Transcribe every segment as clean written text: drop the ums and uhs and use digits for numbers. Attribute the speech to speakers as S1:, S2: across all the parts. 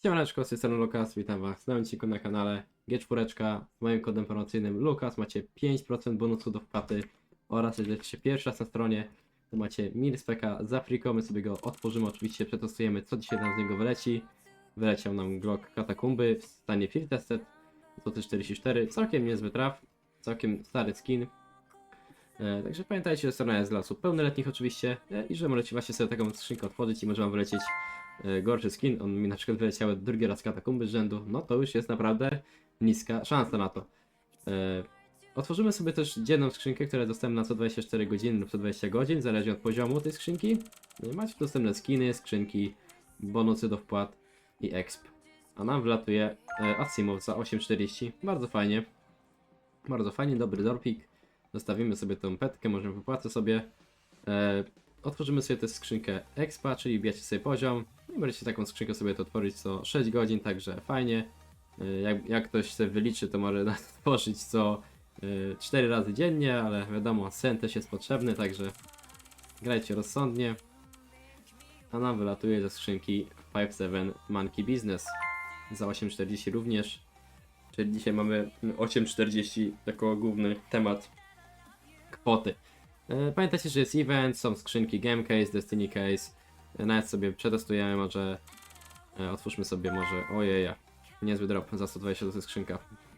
S1: Siemaneczko, z tej strony Lukas, witam was w nowym odcinku na kanale G4. Z moim kodem promocyjnym Lukas macie 5% bonusu do wpłaty oraz jeżeli jesteście pierwszy raz na stronie, to macie Milspeka za friko, my sobie go otworzymy, oczywiście przetestujemy co dzisiaj nam z niego wyleci. Wyleciał nam Glock Katakumby w stanie Field Tested, złoty 44, całkiem niezły traf, całkiem stary skin. Także pamiętajcie, że strona jest dla osób pełnoletnich oczywiście i że możecie właśnie sobie taką skrzynkę otworzyć i może wam wylecieć gorszy skin. On mi na przykład wyleciały drugi raz katakumby z rzędu, no to już jest naprawdę niska szansa na to. Otworzymy sobie też dzienną skrzynkę, która jest dostępna na co 24 godziny lub co 20 godzin, zależnie od poziomu tej skrzynki. Macie dostępne skiny, skrzynki, bonusy do wpłat i exp. A nam wlatuje Asimov za 8,40, bardzo fajnie. Bardzo fajnie, dobry dorpik. Zostawimy sobie tą petkę, może wypłacę sobie. Otworzymy sobie tę skrzynkę expa, czyli bijacie sobie poziom. I możecie taką skrzynkę sobie to otworzyć co 6 godzin, także fajnie. Jak ktoś sobie wyliczy, to może otworzyć co 4 razy dziennie, ale wiadomo, sen też jest potrzebny, także grajcie rozsądnie. A nam wylatuje ze skrzynki 5-7 Monkey Business za 8,40 również. Czyli dzisiaj mamy 8,40 jako główny temat kwoty. Pamiętajcie, że jest event, są skrzynki Game Case, Destiny Case. Nawet sobie przetestujemy, może otwórzmy sobie może, ojeja, niezły drop, za 120 to jest skrzynka.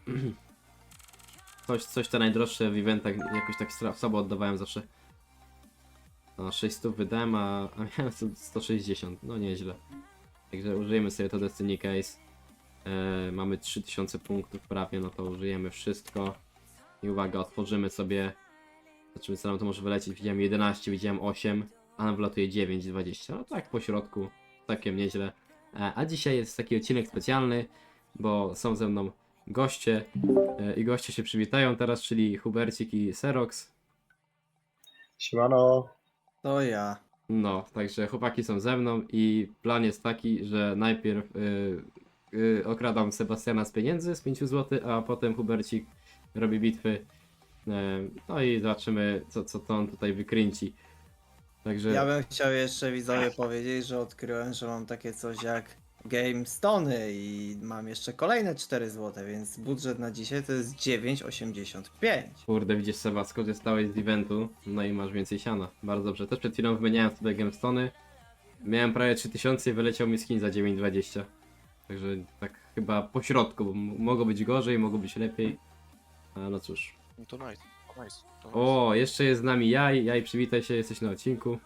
S1: Coś te najdroższe w eventach jakoś tak słabo oddawałem zawsze. No 600 wydałem, a miałem 160, no nieźle. Także użyjemy sobie to Destiny Case. Mamy 3000 punktów prawie, no to użyjemy wszystko. I uwaga, otworzymy sobie. Zobaczymy co nam to może wylecieć. Widziałem 11, widziałem 8, a nam wlatuje 9,20. No tak po środku, całkiem nieźle. A dzisiaj jest taki odcinek specjalny, bo są ze mną goście. I goście się przywitają teraz, czyli Hubercik i Serox.
S2: Siemano.
S3: To ja.
S1: No, także chłopaki są ze mną i plan jest taki, że najpierw okradam Sebastiana z pieniędzy, z 5 zł, a potem Hubercik robi bitwy. No i zobaczymy, co to on tutaj wykręci. Także
S3: Ja bym chciał jeszcze widzowie powiedzieć, że odkryłem, że mam takie coś jak Game Stony i mam jeszcze kolejne 4 zł, więc budżet na dzisiaj to jest 9,85.
S1: kurde, widzisz Seba, skorzystałeś z eventu, no i masz więcej siana. Bardzo dobrze. Też przed chwilą wymieniałem sobie gemstony. Miałem prawie 3000 i wyleciał mi skin za 9,20. Także tak chyba po środku, bo mogło być gorzej, mogło być lepiej. A no cóż.
S4: No to nice, to nice. To nice.
S1: O, jeszcze jest z nami Jaj. Jaj, przywitaj się, jesteś na odcinku.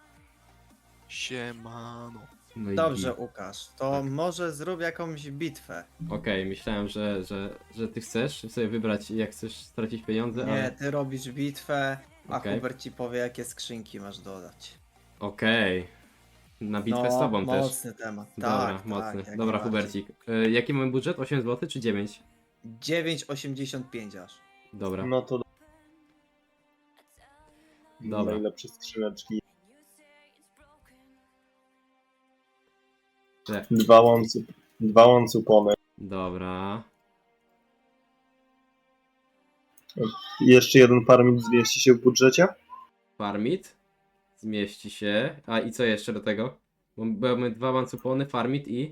S4: Siemano.
S1: No i
S3: Dobrze, Łukasz, to
S1: Tak.
S3: może zrób jakąś bitwę.
S1: Okej, myślałem, że ty chcesz sobie wybrać, jak chcesz stracić pieniądze,
S3: Nie,
S1: ale...
S3: ty robisz bitwę, a
S1: Okej.
S3: Hubert ci powie, jakie skrzynki masz dodać.
S1: Okej. Na bitwę z tobą też.
S3: mocny temat.
S1: Dobra,
S3: Tak,
S1: mocny.
S3: tak, jak
S1: Dobra,
S3: najbardziej.
S1: Hubercik. Jaki mamy budżet? 8 zł czy 9?
S3: 9,85 aż.
S1: Dobra.
S2: No to
S1: Dobra.
S2: najlepsze skrzyneczki.
S1: Że-
S2: Dwa łącupony.
S1: Dobra.
S2: I jeszcze jeden farming zmieści się w budżecie.
S1: Farmit. Zmieści się. A i co jeszcze do tego? Bo mamy 2 mancupony, farmit i...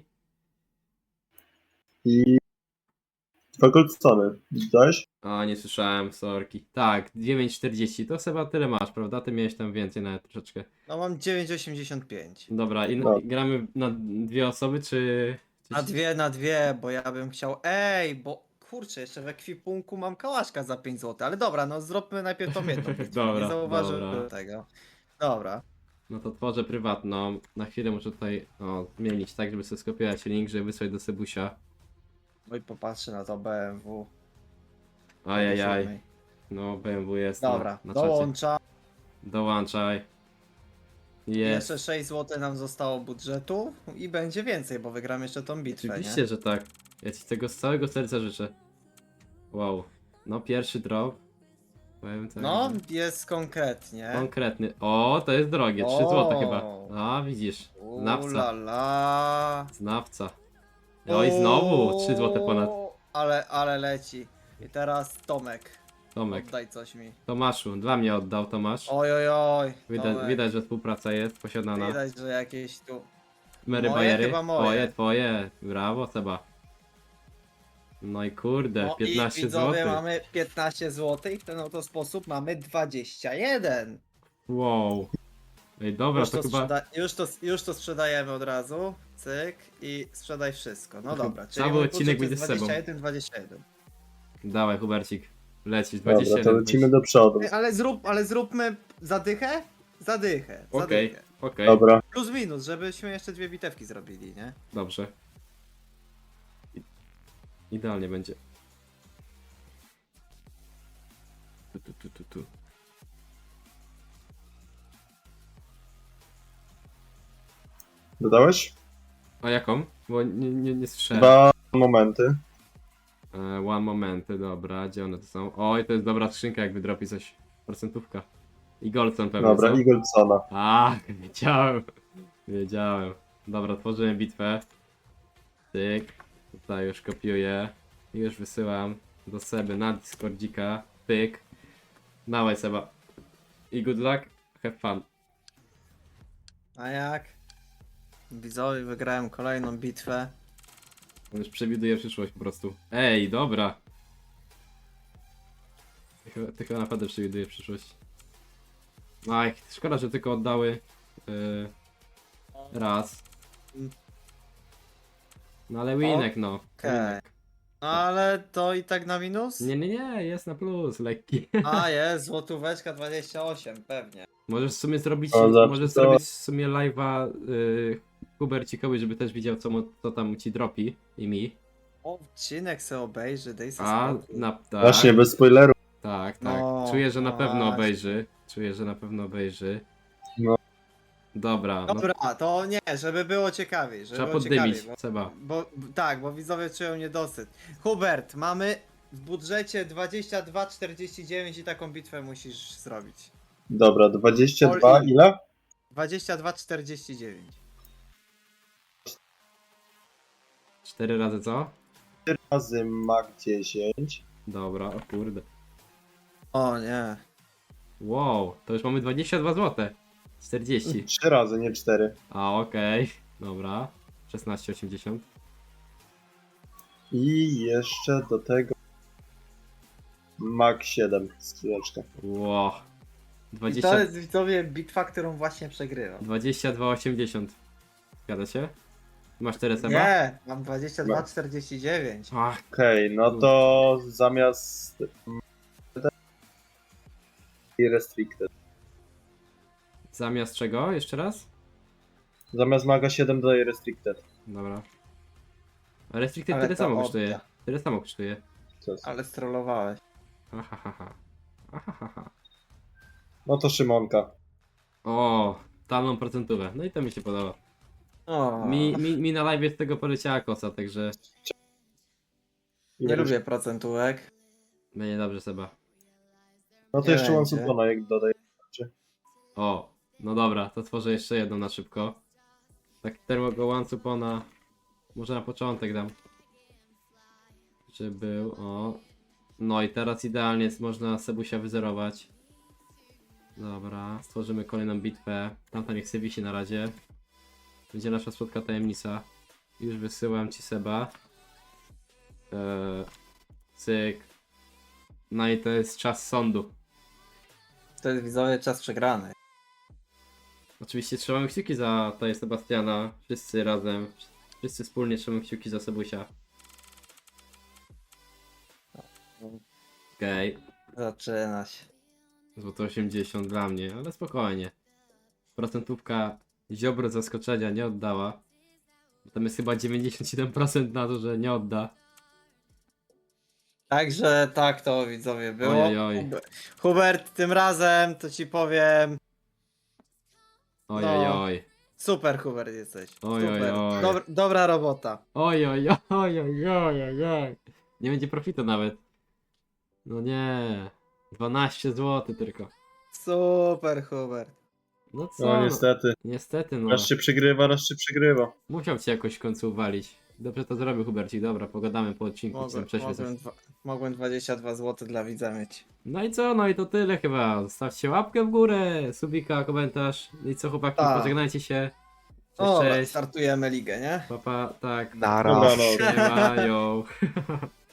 S2: I dwa goldstony. Widziałeś?
S1: A, nie słyszałem, sorki. Tak, 9,40. To chyba tyle masz, prawda? Ty miałeś tam więcej nawet troszeczkę.
S3: No mam 9,85.
S1: Dobra, i
S2: No.
S1: gramy na 2 osoby, czy...
S3: Na dwie, bo ja bym chciał. Ej, bo kurczę, jeszcze w ekwipunku mam kałaszka za 5 zł, ale dobra, no zróbmy najpierw tą jedną bitwę.
S1: Dobra,
S3: Nie zauważyłem
S1: dobra.
S3: tego. Dobra.
S1: No to tworzę prywatną. Na chwilę muszę tutaj zmienić tak, żeby sobie skopiować link, żeby wysłać do Sebusia.
S3: No i popatrzę na to BMW.
S1: Ajajaj. No BMW jest
S3: Dobra,
S1: na czacie.
S3: dołącza.
S1: Dołączaj. Jest.
S3: Jeszcze 6 zł nam zostało budżetu i będzie więcej, bo wygram jeszcze tą bitwę,
S1: Oczywiście,
S3: nie?
S1: że tak. Ja ci tego z całego serca życzę. Wow. No pierwszy drop. Powiem tak.
S3: No,
S1: że
S3: jest konkretnie.
S1: konkretny. O, to jest drogie. 3
S3: O.
S1: zł chyba. A, widzisz.
S3: La
S1: Znawca.
S3: la.
S1: Znawca. No i znowu 3 zł ponad.
S3: Ale leci. I teraz Tomek.
S1: Tomek.
S3: Oddaj coś mi.
S1: Tomaszu. Dla mnie oddał Tomasz.
S3: Oj, oj, oj.
S1: Widać,
S3: Tomek.
S1: widać, że współpraca jest posiadana.
S3: Widać, że jakieś tu
S1: Mary
S3: Moje
S1: Bayery.
S3: chyba moje.
S1: Twoje. Brawo, Seba. No i kurde,
S3: No
S1: 15
S3: i widzowie
S1: zł.
S3: mamy 15 zł i w ten oto sposób mamy 21.
S1: Wow. Ej, dobra,
S3: Już
S1: to
S3: to,
S1: chyba
S3: już to sprzedajemy od razu. Cyk i sprzedaj wszystko. No
S1: To
S3: dobra,
S1: cały
S3: mój
S1: odcinek
S3: budżet
S1: będzie
S3: jest
S1: z Sebą.
S3: 21.
S1: Dawaj, Hubercik. Lecisz,
S2: Dobra,
S1: 21.
S2: to lecimy do przodu.
S3: Ej, ale zróbmy zadychę? Zadychę.
S1: Okej,
S3: Zadychę.
S1: okej.
S2: Dobra,
S3: Plus minus, żebyśmy jeszcze dwie bitewki zrobili, nie?
S1: Dobrze. Idealnie będzie. Tu.
S2: dodałeś?
S1: A jaką? Bo nie słyszałem.
S2: 2 momenty.
S1: One momenty, dobra, gdzie one to są? Oj, to jest dobra skrzynka, jak wydropi coś. Procentówka. I Goldson pewnie,
S2: Dobra,
S1: co?
S2: Eaglesona.
S1: A, wiedziałem. Dobra, tworzymy bitwę. Tyk. Tutaj już kopiuję. I już wysyłam do Seby na Discordzika. Pyk. Dawaj, Seba. I good luck. Have fun.
S3: A jak? Widzowie, wygrałem kolejną bitwę.
S1: On już przewiduje przyszłość po prostu. Ej, dobra. Ty chyba naprawdę przewiduje przyszłość. Aj, szkoda, że tylko oddały raz. No ale winek, no.
S3: Okej.
S1: Winek.
S3: No ale to i tak na minus?
S1: Nie, jest na plus, lekki.
S3: A jest, złotóweczka 28, pewnie.
S1: Możesz w sumie zrobić,
S2: O, za
S1: możesz
S2: to-
S1: zrobić w sumie live'a Hubercikowi, żeby też widział co tam ci dropi i mi.
S3: Odcinek se obejrzy, daj sobie
S1: A,
S3: spokój.
S1: tak,
S2: Właśnie, bez spoilerów.
S1: tak.
S3: No,
S1: Czuję, że na pewno
S3: właśnie.
S1: obejrzy. Czuję, że na pewno obejrzy.
S2: No.
S1: Dobra, no
S3: Dobra, to nie, żeby było ciekawiej, żeby
S1: trzeba
S3: było
S1: poddymić,
S3: ciekawiej,
S1: Seba.
S3: tak, bo widzowie czują niedosyt. Hubert, mamy w budżecie 22,49 i taką bitwę musisz zrobić.
S2: Dobra, 22,
S3: All in.
S2: ile?
S3: 22,49.
S1: 4 razy co?
S2: Razy Mag 10.
S1: Dobra, o kurde.
S3: O nie.
S1: Wow, to już mamy 22 zł. 40.
S2: 3 razy, nie 4.
S1: A, okej. Dobra. 16,80.
S2: I jeszcze do tego Mag 7 skrzyneczka.
S1: Wow.
S3: I
S1: 20,
S3: to jest widzowie bitwa, którą właśnie przegrywam.
S1: 22,80. Zgadza się? Masz 4 Seba?
S3: Nie, mam 22,49.
S1: Ach,
S2: Okej, no to zamiast i restricted.
S1: zamiast czego? Jeszcze raz?
S2: Zamiast Maga 7 dodaję restricted.
S1: Dobra. A Restricted
S3: Ale
S1: tyle
S3: to
S1: samo
S3: opcja.
S1: kosztuje. Tyle samo kosztuje.
S2: Co jest?
S3: Ale strollowałeś.
S1: Ahahaha. Ahahaha.
S2: No to Szymonka.
S1: O, talną procentówę. No i to mi się podoba.
S3: O,
S1: Mi na live z tego poleciała kosa, także
S3: nie lubię procentówek.
S1: będzie dobrze, Seba.
S2: No to
S3: Nie
S2: jeszcze
S3: będzie.
S2: One jak dodaję.
S1: O, no dobra, to tworzę jeszcze jedną na szybko. Tak termogo one supona. Może na początek dam. Żeby był, o. No i teraz idealnie jest, można Sebusia wyzerować. Dobra, stworzymy kolejną bitwę. Tamta niech sobie wisi na razie. Będzie nasza słodka tajemnica. Już wysyłam ci Seba. Cyk. No i to jest czas sądu.
S3: To jest widzowie czas przegrany.
S1: Oczywiście trzymamy kciuki za tutaj Sebastiana. Wszyscy razem. Wszyscy wspólnie trzymamy kciuki za Sebusia. Okej.
S3: Zaczyna się.
S1: Złoto 80 dla mnie, ale spokojnie. Procentówka ziobro zaskoczenia nie oddała. Tam jest chyba 97% na to, że nie odda.
S3: Także tak to widzowie było.
S1: Oj, oj, oj.
S3: Hubert, tym razem to ci powiem.
S1: Oj,
S3: No.
S1: oj, oj.
S3: Super Hubert jesteś.
S1: Oj, oj,
S3: Super.
S1: oj.
S3: Dobra robota.
S1: Oj, oj, oj, oj, oj, oj, oj. Nie będzie profitu nawet. No nie. 12 zł tylko.
S3: Super Hubert.
S1: No co?
S2: No niestety.
S1: Niestety no.
S2: Raz się przegrywa, raz się przegrywa.
S1: Musiał cię jakoś w końcu uwalić. Dobrze to zrobił Hubercik, dobra, pogadamy po odcinku, co prześwietlić.
S3: Mogłem 22 zł dla widza mieć.
S1: No i co, no i to tyle chyba. Zostawcie łapkę w górę, subika, komentarz. I co chłopaki,
S3: Tak.
S1: pożegnajcie się.
S3: Dobra,
S1: cześć.
S3: startujemy ligę, nie?
S1: Papa, tak.
S4: Nara.
S2: Dobra, no.
S1: Nie mają.